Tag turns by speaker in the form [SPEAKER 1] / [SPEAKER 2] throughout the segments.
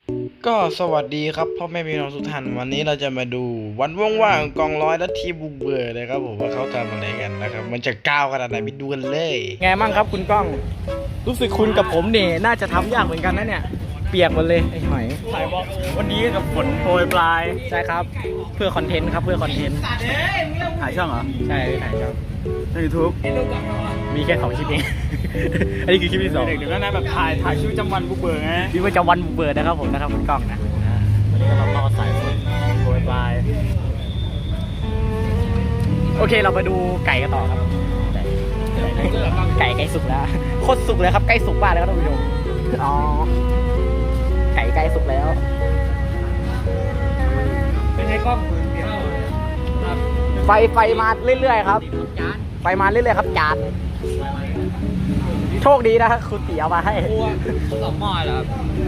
[SPEAKER 1] ก็สวัสดีครับพ่อแม่พี่น้องทุกท่านวันนี้เราจะมาดูวันว่างๆกองร้อยและทีมบุกเบิกเลยครับผมว่าเขาทำอะไรกันนะครับมันจะก้าวขนาดไหนไปดูกันเลยไงมั่งครับคุณก้องรู้สึกคุณกับผมเนี่ยน่าจะทำยากเหมือนกันนะเนี่ยเปียกหมดเลยไอ้หอยถ่ายบอกวันนี้กับฝนโปรยปลายใช่ครับเพื่อคอนเทนต์ครับเพื่อคอนเทนต์ถ่ายช่องเหรอใช่ถ่ายช่องในยูทูบมีแค่2 คลิปเอง อันนี้คือคลิปที่2เดี๋ยวก็นะแบบถ่ายชีวิตประจำวันบุกเบิกนะชีวิตประจำวันบุกเบิกนะครับผมนะครับคุณก้องนะวันนี้ก็มาสายฝนโปรยปลายโอเคเราไปดูไก่กันต่อครับไก่สุกแล้วโคตรสุกเลยครับใกล้สุกมากแล้วครับท่านผู้ชมอ๋อไก่ใกล้สุกแล้วเป็นไงกล้องไฟมาเรื่อยๆครับไฟมาเรื่อยๆครับจานโชคดีนะคุณตีเอามาให้2 หม้อแล้วครับ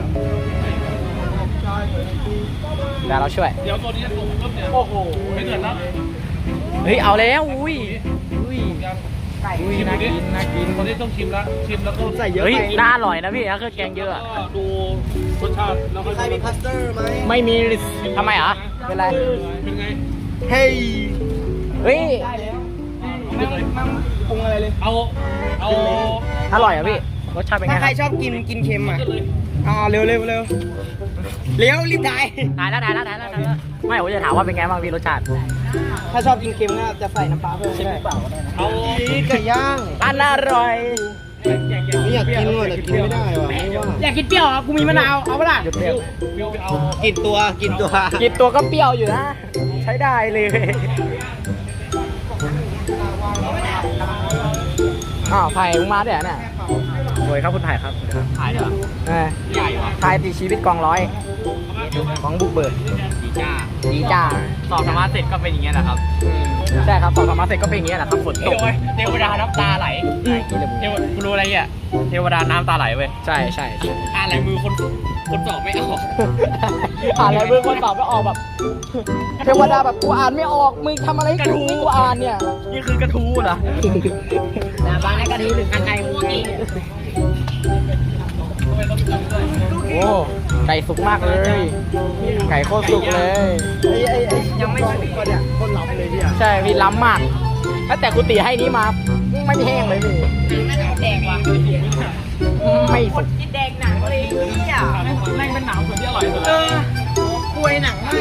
[SPEAKER 1] เดี๋ยวเราช่วยเดี๋ยวตัวนี้จะตกปุ๊บเนี่ยโอ้โหไม่เกิดแล้วเฮ้ยเอาแล้วอุ้ยไก่น่ากินคนที่ต้องชิมแล้วก็ใส่เยอะไปน่าอร่อยนะพี่นะคือแกงเยอะดูรสชาติแล้วก็ใครมีคัสเตอร์ไหมไม่มีทำไมอ่ะเป็นไรเป็นไงเฮ้ยไม่ปรุงอะไรเลยเอาอร่อยอ่ะพี่รสชาติเป็นไงถ้าใครชอบกินเค็มอ่ะเร็วรีบถ่ายแล้วไม่ผมจะถามว่าเป็นไงบ้างพี่รสชาติถ้าชอบกินเค็มก็จะใส่น้ำปลาเพิ่มได้เอาไก่ย่างอันอร่อยไม่อยากกินว่ะแต่กินไม่ได้ว่ะอยากกินเปรี้ยวอ่ะกูมีมะนาวเอาปะล่ะเปรี้ยวกินตัวก็เปรี้ยวอยู่นะใช้ได้เลยไผ่มึงมาด้วยเนี่ยสวยครับคุณไผ่ครับถ่ายเหรอใหญ่เหรอถ่ายตีชีวิตกองร้อยของบุกเบิกดีจ้าสอบธรรมะเสร็จก็เป็นอย่างเงี้ยแหละครับใช่ครับสอบธรรมะเสร็จก็เป็นอย่างเงี้ยแหละครับฝนตกเทวดาน้ำตาไหลคุณรู้อะไรอ่ะเทวดาน้ำตาไหลเว้ยใช่อ่านลายมือคนสอบไม่ออกอ่านลายมือคนสอบไม่ออกแบบเทวดาแบบกูอ่านไม่ออกมึงทำอะไรให้กูอ่านเนี่ยนี่คือกระทู้เหรอบ้านกระทู้หรือไก่มูนี่โอ้ไก่สุกมากเลยไก่โคตรสุกเลยยังไม่สุกก็เนี่ยคนล้ำเลยพี่ใช่พี่ล้ำมากแต่คุณตีให้นี้มาไม่แห้งเลยพี่ไม่แดงว่ะไม่สุกกินแดงหนังเลยพี่อ่ะแม่งเป็นหนังส่วนที่อร่อยสุดกล้วยหนังไม่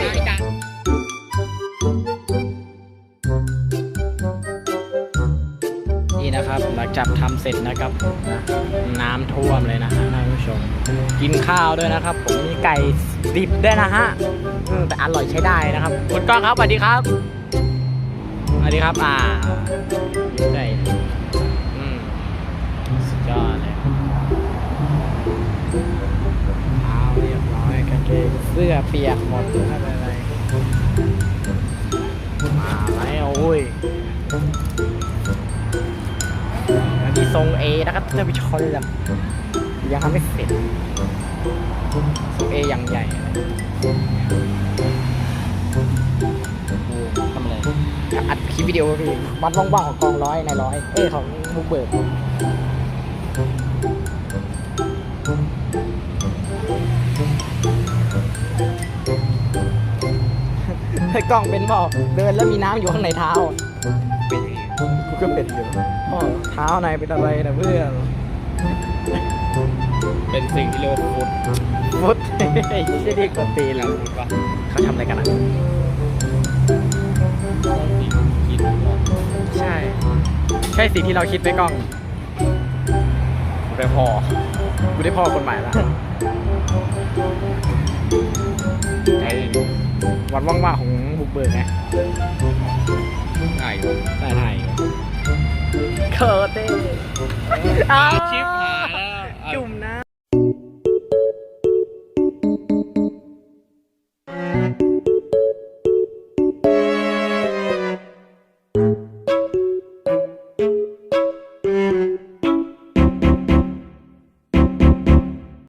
[SPEAKER 1] นี่นะครับหลังจากทำเสร็จนะครับน้ำท่วมเลยนะฮะท่านผู้ชมกินข้าวด้วยนะครับผมมีไก่ดิบด้วยนะฮะแต่อร่อยใช้ได้นะครับคุณก้องครับสวัสดีครับสวัสดีครับได้สุดยอดเลยเรียบร้อยกางเกงเสื้อเปียกหมดไม่เป็นไรมาแล้วโอ้ยมีทรง A นะครับท่านผู้ชมแบบยังทำไม่เสร็จทรง A อย่างใหญ่ทำอะไรอัดคลิปวิดีโอพี่วัดว่างๆของกองร้อยในร้อยของบุกเบิกให้กล้องเป็นบ่อเดินแล้วมีน้ำอยู่ข้างในเท้ากูก็เป็นอยู่เท้าในเป็นอะไรนะเพื่อนเป็นสิ่งที่เรียกว่าฟุตไอ้ที่เรียกว่าตีนแล้วเขาทำอะไรกันอ่ะใช่สิ่งที่เราคิดไปกล้องกูได้พ่อคนใหม่ละไอ้วันว่างๆของบุกเบิกไงได้เคอร์เต้ชิปหา